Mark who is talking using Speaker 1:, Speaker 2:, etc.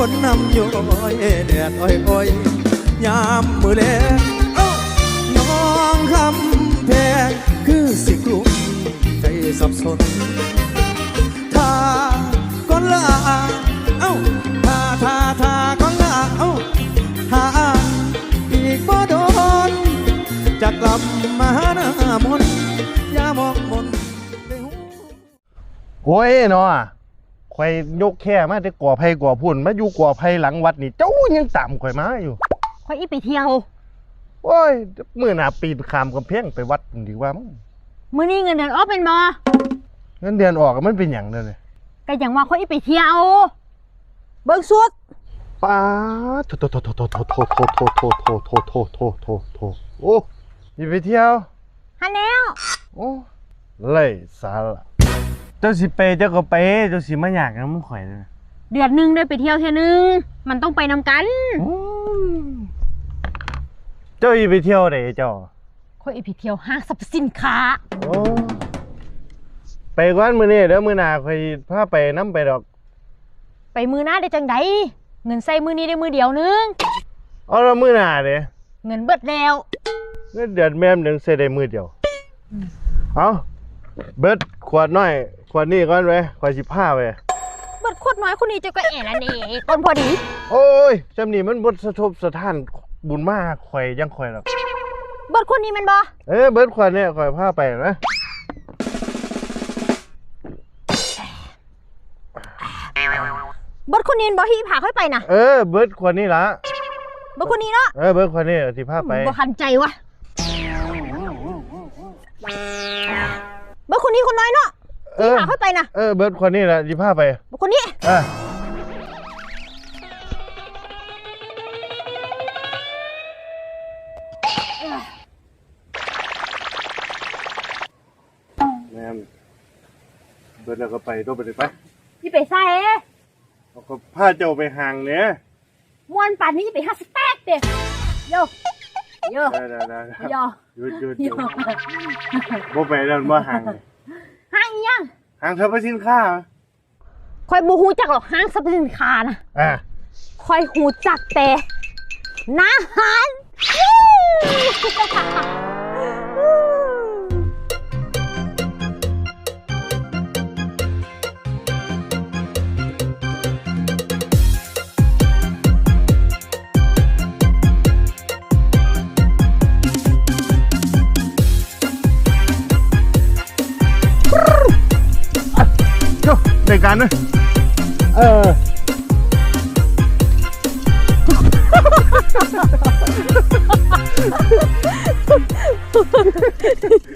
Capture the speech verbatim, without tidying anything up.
Speaker 1: คนนำโยยแดดอ้อยอ้อยยามมือแลงน้องคำแพงคือสิกลุ่มใจสับสนถ้าก่อนลาเอ้าถ้าถ้าถ้าก่อนลาเอ้าถ้าอีกบ่โดนจะกลับมาหาหน้ามนอย่ามองมน
Speaker 2: โอ้ยเนาะข่อยยกแค่มาแต่ก่อไผ่ก่อพุ่นมาอยู่ก่อไผ่หลังวัดนี่เจ้ายังตามข่อยมาอยู่
Speaker 3: ข่อยอีไปเที่ยว
Speaker 2: โอ้ยมื้อหน้าปีนข้ามกำแพงไปวัดดีกว่ามั้ง
Speaker 3: มื้อนี้เงินเดือนออกเป็นบ่
Speaker 2: เงินเดือนออกมันเป็นหยังเด้อเนี่ย
Speaker 3: ก็หยังว่าข่อยอีไปเที่ยวเบิ่งสุด
Speaker 2: ป้าโถโถโถโถโถโถโถโถโถโถโถโถโถโถโถโถโอ้ยไปเที่ยว
Speaker 3: หันแล้ว
Speaker 2: โอ้ไร้สาระเจ้าสิไปเจ้าก็ไปเจ้าสิมาอยากนำข่อยเลย
Speaker 3: เดือนนึงได้ไปเที่ยวเที่ยนึงมันต้องไปนำกัน
Speaker 2: เจ้าอีไปเที่ยวไหนเจ้า
Speaker 3: ข่อยอีไปเที่ยวห้างสรรพสินค้า
Speaker 2: โอ้ไปก่อนมื้อนี้เด้อมื้อหน้าข่อยพาไปนำไปดอก
Speaker 3: ไปมื้อหน้าได้จังได๋เงินใส่มื้อนี้ได้มื้อเดียวนึง
Speaker 2: เอาแล้วมื้อหน้าเด้
Speaker 3: เงินเบิดแล้ว
Speaker 2: เงินเดือนแม่มนึงใส่ได้มื้อเดียวเอาเบิดขวดน้อยขวดนี้ก่อนเว้ยข่อยสิพาไป
Speaker 3: เบิดขวดน้อยคนนี้เจ้าก็แอ่ละนี่คนพอดี
Speaker 2: โอ้ยจำนี่มันบ่สะทบสะท้านบุญมากข่อยยังข่อยหรอก
Speaker 3: เบิดคนนี้แม่นบ่
Speaker 2: เอ้ยเบิดขวดนี้ข่อยพาไปนะ
Speaker 3: เบิดคนนี้บ่ที่พาค่อยไปน่ะ
Speaker 2: เออเบิดขวดนี้ล่ะ
Speaker 3: เบิดคนนี้เนาะ
Speaker 2: เออเบิดขวดนี้สิพาไป
Speaker 3: บ่คันใจวะเบิดคนนี้คนน้อยเนาะที่พาค่อยไปน่ะ
Speaker 2: เออเบิดขวดนี้ล่ะสิพาไป
Speaker 3: เบิดคนนี้
Speaker 2: เออแม่เบิดแล้วก็ไปตัวไปเลยไป
Speaker 3: พี่ไปใส่
Speaker 2: เขาก็พาเจ้าไปห่างเนี่ย
Speaker 3: มวนป่านนี้ไปหาสเต็กเด้โยโย
Speaker 2: ได้ได้ได้
Speaker 3: โย
Speaker 2: หยุดหยุดหยุดบ่ไปแล้วบ่ห่าง
Speaker 3: ห่างยัง
Speaker 2: ห่างสรรพสินค้า
Speaker 3: คอยบ่ฮู้จักหรอกห้างสรรพสินค้านะ
Speaker 2: อ่า
Speaker 3: คอยฮู้จักแต่อาหาร
Speaker 2: ในการนะเออ